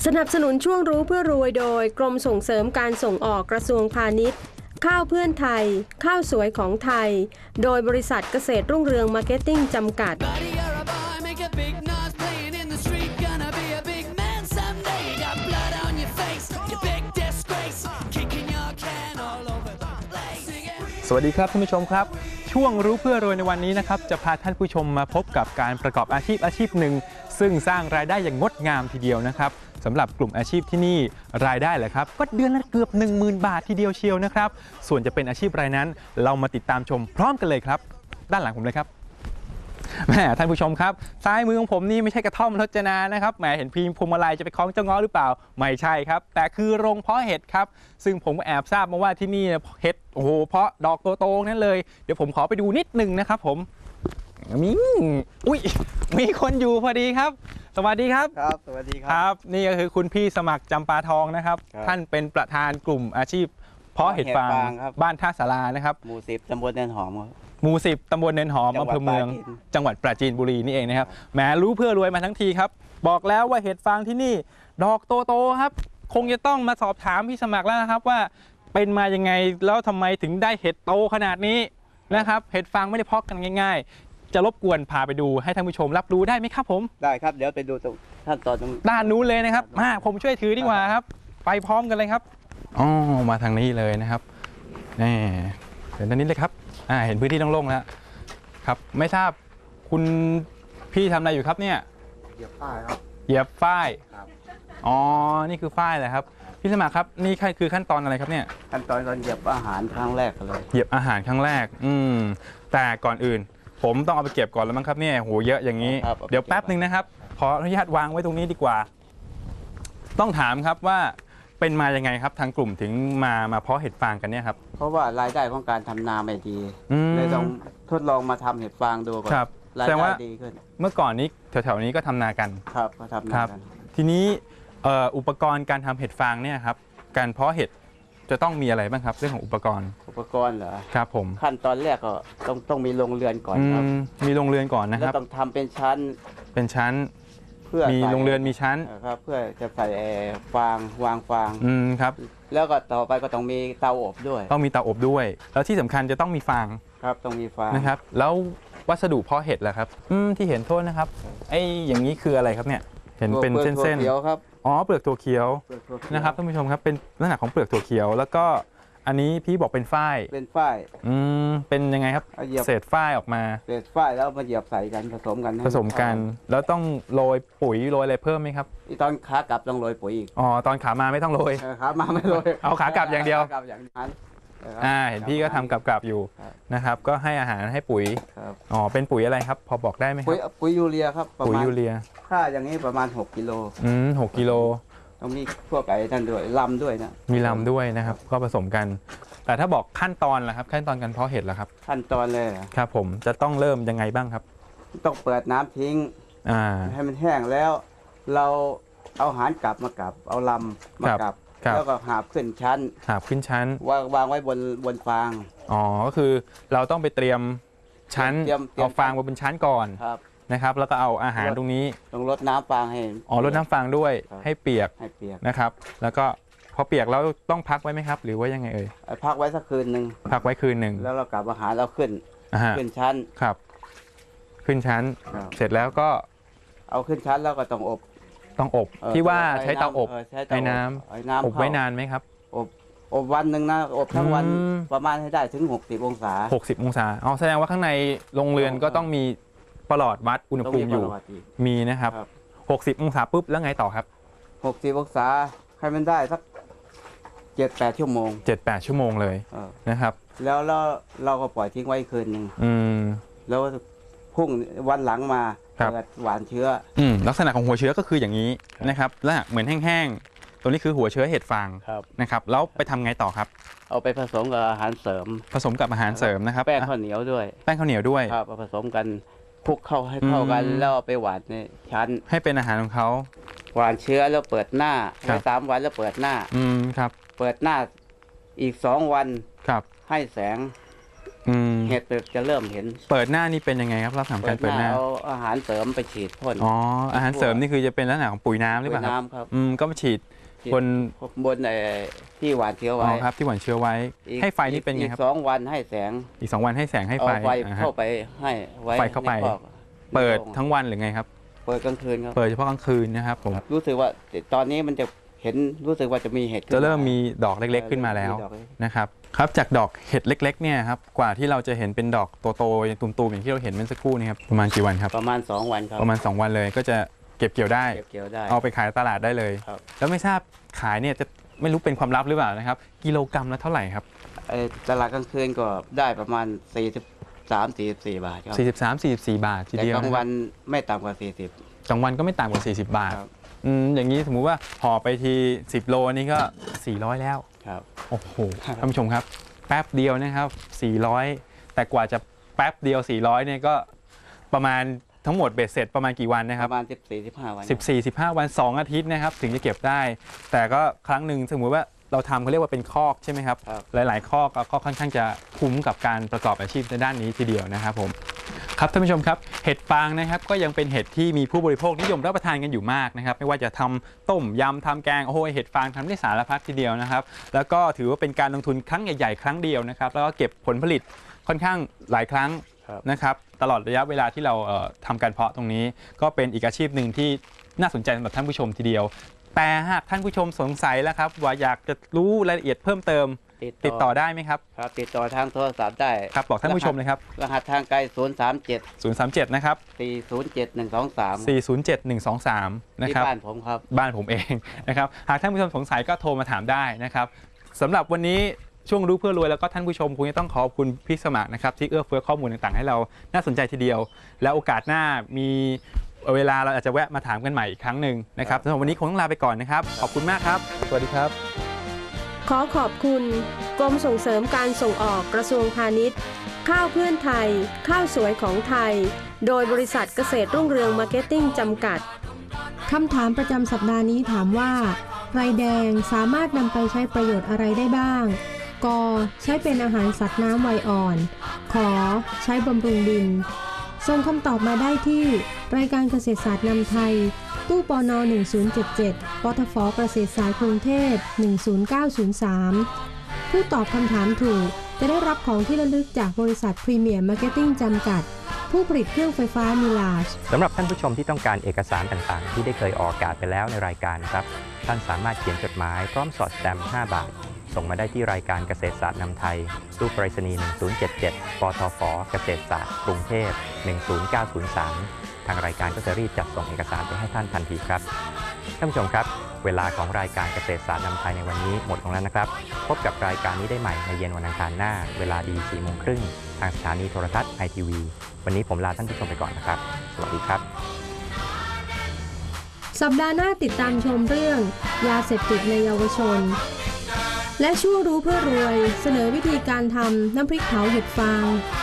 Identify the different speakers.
Speaker 1: สนับสนุนช่วงรู้เพื่อรวยโดยกรมส่งเสริมการส่งออกกระทรวงพาณิชย์ข้าวเพื่อนไทยข้าวสวยของไทยโดยบริษัทเกษตรรุ่งเรืองมาร์เก็ตติ้งจำกัด
Speaker 2: สวัสดีครับท่านผู้ชมครับช่วงรู้เพื่อรวยในวันนี้นะครับจะพาท่านผู้ชมมาพบกับการประกอบอาชีพหนึ่งซึ่งสร้างรายได้อย่างงดงามทีเดียวนะครับสำหรับกลุ่มอาชีพที่นี่รายได้แหละครับก็เดือนละเกือบ 10,000 บาททีเดียวเชียวนะครับส่วนจะเป็นอาชีพอะไรนั้นเรามาติดตามชมพร้อมกันเลยครับด้านหลังผมเลยครับแหมท่านผู้ชมครับซ้ายมือของผมนี่ไม่ใช่กระท่อมรจนานะครับแหมเห็นพีมพวงมาลัยจะไปคล้องเจ้าง้อหรือเปล่าไม่ใช่ครับแต่คือโรงเพาะเห็ดครับซึ่งผมแอบทราบมาว่าที่นี่เห็ดโอ้โหเพาะดอกโตๆนั่นเลยเดี๋ยวผมขอไปดูนิดนึงนะครับผมมีคนอยู่พอดีครับสวัสดีครับ
Speaker 3: ครับสวัสดี
Speaker 2: ครับนี่ก็คือคุณพี่สมัครจำปาทองนะครับท่านเป็นประธานกลุ่มอาชีพเพาะเห็ดฟางบ้านท่าสารานะครับ
Speaker 3: หมู่10ตำบลเนินหอม
Speaker 2: หมู่10ตำบลเนินหอมอำเภอเมืองจังหวัดปราจีนบุรีนี่เองนะครับแหมรู้เพื่อรวยมาทั้งทีครับบอกแล้วว่าเห็ดฟางที่นี่ดอกโตๆครับคงจะต้องมาสอบถามพี่สมัครแล้วนะครับว่าเป็นมายังไงแล้วทำไมถึงได้เห็ดโตขนาดนี้นะครับเห็ดฟางไม่ได้เพาะกันง่ายๆจะรบกวนพาไปดูให้ท่านผู้ชมรับรู้ได้ไหมครับผม
Speaker 3: ได้ครับเดี๋ยวไปดูตรงขั้นตอนตรง
Speaker 2: ด้านนู้นเลยนะครับมาผมช่วยถือดีกว่าครับไปพร้อมกันเลยครับอ๋อมาทางนี้เลยนะครับนี่เห็นตรงนี้เลยครับเห็นพื้นที่โล่งๆแล้วครับไม่ทราบคุณพี่ทำอะไรอยู่ครับเนี่ย
Speaker 3: เหยียบฝ้ายครับ
Speaker 2: เหยียบฝ้ายอ๋อนี่คือฝ้ายเหรอครับพี่สมัครครับนี่คือขั้นตอนอะไรครับเนี่ย
Speaker 3: ขั้นตอนการเหยียบอาหารครั้งแรกเลย
Speaker 2: เหยียบอาหารครั้งแรกแต่ก่อนอื่นผมต้องเอาไปเก็บก่อนแล้วมั้งครับเนี่ยโหเยอะอย่างนี้เดี๋ยวแป๊บนึงนะครับขออนุญาตวางไว้ตรงนี้ดีกว่าต้องถามครับว่าเป็นมายังไงครับทางกลุ่มถึงมาเพาะเห็ดฟางกันเนี่ยครับ
Speaker 3: เพราะว่ารายได้ของการทำนาไม่ดีเลยต้องทดลองมาทำเห็ดฟางดูก่อนรายได้ดีขึ้น
Speaker 2: เมื่อก่อนนี้แถวๆนี้ก็ทำนากัน
Speaker 3: ครับก็ทำนากัน
Speaker 2: ทีนี้อุปกรณ์การทำเห็ดฟางเนี่ยครับการเพาะเห็ดจะต้องมีอะไรบ้างครับเรื่องของอุปกรณ์
Speaker 3: เหรอ
Speaker 2: ครับผม
Speaker 3: ขั้นตอนแรกก็ต้องมีโรงเรือนก่อนครับ
Speaker 2: มีโรงเรือนก่อนนะครับ
Speaker 3: แล้วต้องทำเป็นชั้น
Speaker 2: เพื่อมีโรงเรือนมีชั้น
Speaker 3: ครับเพื่อจะใส่ฟางวางฟาง
Speaker 2: ครับ
Speaker 3: แล้วก็ต่อไปก็ต้องมีเตาอบด้วย
Speaker 2: ต้องมีเตาอบด้วยแล้วที่สำคัญจะต้องมีฟาง
Speaker 3: ครับต้องมีฟาง
Speaker 2: นะครับแล้ววัสดุเพาะเห็ดล่ะครับที่เห็นโทษนะครับไอ้อย่างนี้คืออะไรครับเนี่ยเห็นเป็นเส้น
Speaker 3: ๆครับ
Speaker 2: อ๋อเปลือกถั่วเขียวนะครับท่านผู้ชมครับเป็นลักษณะของเปลือกถั่วเขียวแล้วก็อันนี้พี่บอกเป็นฝ้ายเป็นยังไงครับเศษฝ้ายออกมา
Speaker 3: เศษฝ้ายแล้วมาเหยียบใส่กันผสมกัน
Speaker 2: แล้วต้องโรยปุ๋ยโรยอะไรเพิ่มไหมครับ
Speaker 3: ตอนขากลับต้องโรยปุ๋ยอีก
Speaker 2: อ๋อตอนขามาไม่ต้องโรย
Speaker 3: ขามาไม่โรย
Speaker 2: เอาขากลับอย่างเดียวเห็นพี่ก็ทำกลับอยู่นะครับก็ให้อาหารให้ปุ๋ยอ๋อเป็นปุ๋ยอะไรครับพอบอกได้ไหมครับ
Speaker 3: ปุ๋ยยูเรียครับ
Speaker 2: ปุ๋ยยูเรีย
Speaker 3: ค่าอย่างนี้ประมาณ6 กิโล
Speaker 2: 6 กิโล
Speaker 3: ต้องมีพวกไก่นั่นด้วยลำด้วยนะ
Speaker 2: มีลำด้วยนะครับก็ผสมกันแต่ถ้าบอกขั้นตอนล่ะครับขั้นตอนการเพาะเห็ดล่ะครับ
Speaker 3: ขั้นตอนเลย
Speaker 2: ครับผมจะต้องเริ่มยังไงบ้างครับ
Speaker 3: ต้องเปิดน้ำทิ้งให้มันแห้งแล้วเราเอาหารกลับเอาลำมากลับแล้วก็หาบขึ้นชั้นวางไว้บนฟาง
Speaker 2: อ๋อก็คือเราต้องไปเตรียมชั้นเอาฟางไว้บนชั้นก่อนนะครับแล้วก็เอาอาหารตรงนี้
Speaker 3: ต้องรดน้ำฟางให้
Speaker 2: รดน้ำฟางด้วยให้เปียกนะครับแล้วก็พอเปียกแล้วต้องพักไว้ไหมครับหรือว่ายังไง
Speaker 3: พักไว้สักคืนหนึ่งแล้วเรากลับอาหารเราขึ้นชั้น
Speaker 2: ครับขึ้นชั้นเสร็จแล้วก็
Speaker 3: เอาขึ้นชั้นแล้วก็ต้อง
Speaker 2: อบที่ว่าใช้เตาอบในน้ำอบไว้นานไหมครับ
Speaker 3: อบวันหนึ่งนะอบทั้งวันประมาณให้ได้ถึง60 องศา
Speaker 2: อ๋อแสดงว่าข้างในโรงเรือนก็ต้องมีประหลอดวัดอุณหภูมิอยู่มีนะครับ60 องศาปุ๊บแล้วไงต่อครับ
Speaker 3: 60 องศาให้มันได้สัก7-8 ชั่วโมง
Speaker 2: เลยนะครับ
Speaker 3: แล้วเราก็ปล่อยทิ้งไว้คืนหนึ่งแล้วพรุ่งวันหลังมาเกิดหวานเชื้อ
Speaker 2: ลักษณะของหัวเชื้อก็คืออย่างนี้นะครับแล้วเหมือนแห้งๆตัวนี้คือหัวเชื้อเห็ดฟางนะครับแล้วไปทำไงต่อครับ
Speaker 3: เอาไปผสมกับอาหารเสริม
Speaker 2: นะครับ
Speaker 3: แป้งข้าวเหนียวด้วยครับผสมกันคลุกเข้าให้เข้ากันแล้วไปหวานในชั้น
Speaker 2: ให้เป็นอาหารของเขา
Speaker 3: หวานเชื้อแล้วเปิดหน้า3 วันแล้วเปิดหน้า
Speaker 2: ครับ
Speaker 3: เปิดหน้าอีก2 วันให้แสงเเห็ดจะเริ่มเห็น
Speaker 2: เปิดหน้านี่เป็นยังไงครับลักษณะการเปิดหน้า
Speaker 3: เอาอาหารเสริมไปฉีดพ่น
Speaker 2: อ๋ออาหารเสริมนี่คือจะเป็นลักษณะของปุ๋ยน้ำหรือเปล่า
Speaker 3: ครับ
Speaker 2: ก็มาฉีด
Speaker 3: บนที่หว่านเชื้อไว้
Speaker 2: ครับที่หว่านเชื้อไว้ให้ไฟนี่เป็นไงครับ
Speaker 3: อีก2 วันให้แสง
Speaker 2: อีก2 วันให้แสงให้ไฟ
Speaker 3: เข้าไปให้
Speaker 2: ไฟเข้าไปเปิดทั้งวันหรือไงครับ
Speaker 3: เปิดกลางคืนครับ
Speaker 2: เปิดเฉพาะกลางคืนนะครับผม
Speaker 3: รู้สึกว่าตอนนี้มันจะเห็นรู้สึกว่าจะมีเห็ด
Speaker 2: จะเริ่มมีดอกเล็กๆขึ้นมาแล้วนะครับครับจากดอกเห็ดเล็กๆเนี่ยครับกว่าที่เราจะเห็นเป็นดอกโตๆตุ่มๆอย่างที่เราเห็นเมื่อสักครู่นี้ครับประมาณกี่วันครับ
Speaker 3: ประมาณ2 วันครับ
Speaker 2: ประมาณ2 วันเลยก็จะเก็บเกี่ยวได้เอาไปขายตลาดได้เลยแล้วไม่ทราบขายเนี่ยจะไม่รู้เป็นความลับหรือเปล่านะครับกิโลกรัมละเท่าไหร่ครับ
Speaker 3: ตลาดกลางคืนก็ได้ประมาณ43-44 บาทครับ
Speaker 2: 43-44 บาททีเดียว
Speaker 3: แต่กลางวันไม่ต่ำกว่า40
Speaker 2: กลางวันก็ไม่ต่ำกว่า40 บาทอย่างนี้สมมุติว่าห่อไปที10 โลนี่ก็400แล้ว
Speaker 3: ครับ
Speaker 2: โอ้โหท่านผู้ชมครับแป๊บเดียวนะครับ400แต่กว่าจะแป๊บเดียว400เนี่ยก็ประมาณทั้งหมดเบ็ดเสร็จประมาณกี่วันนะครับ
Speaker 3: ประมาณ14-15 วัน
Speaker 2: 14-15 วัน2 อาทิตย์นะครับถึงจะเก็บได้แต่ก็ครั้งหนึ่งสมมุติว่าเราทำเขาเรียกว่าเป็นคอกใช่ไหมครับหลายๆคอกก็ค่อนข้างจะคุ้มกับการประกอบอาชีพในด้านนี้ทีเดียวนะครับผมครับท่านผู้ชมครับเห็ดฟางนะครับก็ยังเป็นเห็ดที่มีผู้บริโภคนิยมรับประทานกันอยู่มากนะครับไม่ว่าจะทำต้มยำทำแกงโอ้โหเห็ดฟางทำได้สารพัดทีเดียวนะครับแล้วก็ถือว่าเป็นการลงทุนครั้งใหญ่ๆครั้งเดียวนะครับแล้วก็เก็บผลผลิตค่อนข้างหลายครั้งนะครับตลอดระยะเวลาที่เราทำการเพาะตรงนี้ก็เป็นอีกอาชีพหนึ่งที่น่าสนใจสำหรับท่านผู้ชมทีเดียวแต่หากท่านผู้ชมสงสัยแล้วครับว่าอยากจะรู้รายละเอียดเพิ่มเติมติดต่อได้ไหมครับ
Speaker 3: ครับติดต่อทางโทรศัพท์ได้
Speaker 2: ครับบอกท่านผู้ชมเลยครับ
Speaker 3: รหัสทางไกล
Speaker 2: 037นะครับ
Speaker 3: 407123นะครับบ้านผมครับ
Speaker 2: บ้านผมเองนะครับหากท่านผู้ชมสงสัยก็โทรมาถามได้นะครับสำหรับวันนี้ช่วงรู้เพื่อรวยแล้วก็ท่านผู้ชมคงจะต้องขอบคุณพี่สมัครนะครับที่เอื้อเฟื้อข้อมูลต่างๆให้เราน่าสนใจทีเดียวแล้วโอกาสหน้ามีเวลาเราอาจจะแวะมาถามกันใหม่อีกครั้งหนึ่งนะครับสำหรับวันนี้คงต้องลาไปก่อนนะครับขอบคุณมากครับสวัสดีครับ
Speaker 1: ขอขอบคุณกรมส่งเสริมการส่งออกกระทรวงพาณิชย์ข้าวเพื่อนไทยข้าวสวยของไทยโดยบริษัทเกษตรรุ่งเรืองมาร์เก็ตติ้งจำกัดคำถามประจำสัปดาห์นี้ถามว่าไรแดงสามารถนำไปใช้ประโยชน์อะไรได้บ้างกใช้เป็นอาหารสัตว์น้ำวัยอ่อนขอใช้บำรุงดินส่งคำตอบมาได้ที่รายการเกษตรศาสตร์นำไทยตู้ปน1077ปทฟเกษตรสายกรุงเทพ10903ผู้ตอบคำถามถูกจะได้รับของที่ระลึกจากบริษัทพรีเมียร์มาร์เก็ตติ้งจำกัดผู้ผลิตเครื่องไฟฟ้ามิลาช
Speaker 4: สำหรับท่านผู้ชมที่ต้องการเอกสารต่างๆที่ได้เคยออกอากาศไปแล้วในรายการครับท่านสามารถเขียนจดหมายพร้อมสอดสแตมป์5 บาทส่งมาได้ที่รายการเกษตรศาสตร์นำไทยตู้ไปรษณีย์1077ปทฟเกษตรศาสตร์กรุงเทพ10903ทางรายการก็จะรีบจัดส่งเอกสารไปให้ท่านทันทีครับท่านผู้ชมครับเวลาของรายการเกษตรศาสตร์นำไทยในวันนี้หมดลงแล้วนะครับพบกับรายการนี้ได้ใหม่ในเย็นวันอังคารหน้าเวลาดี 4:30 น.ทางสถานีโทรทัศน์ ITV วันนี้ผมลาท่านผู้ชมไปก่อนนะครับสวัสดีครับ
Speaker 1: สัปดาห์หน้าติดตามชมเรื่องยาเสพติดในเยาวชนและช่วงรู้เพื่อรวยเสนอวิธีการทำน้ำพริกเผาเห็ดฟาง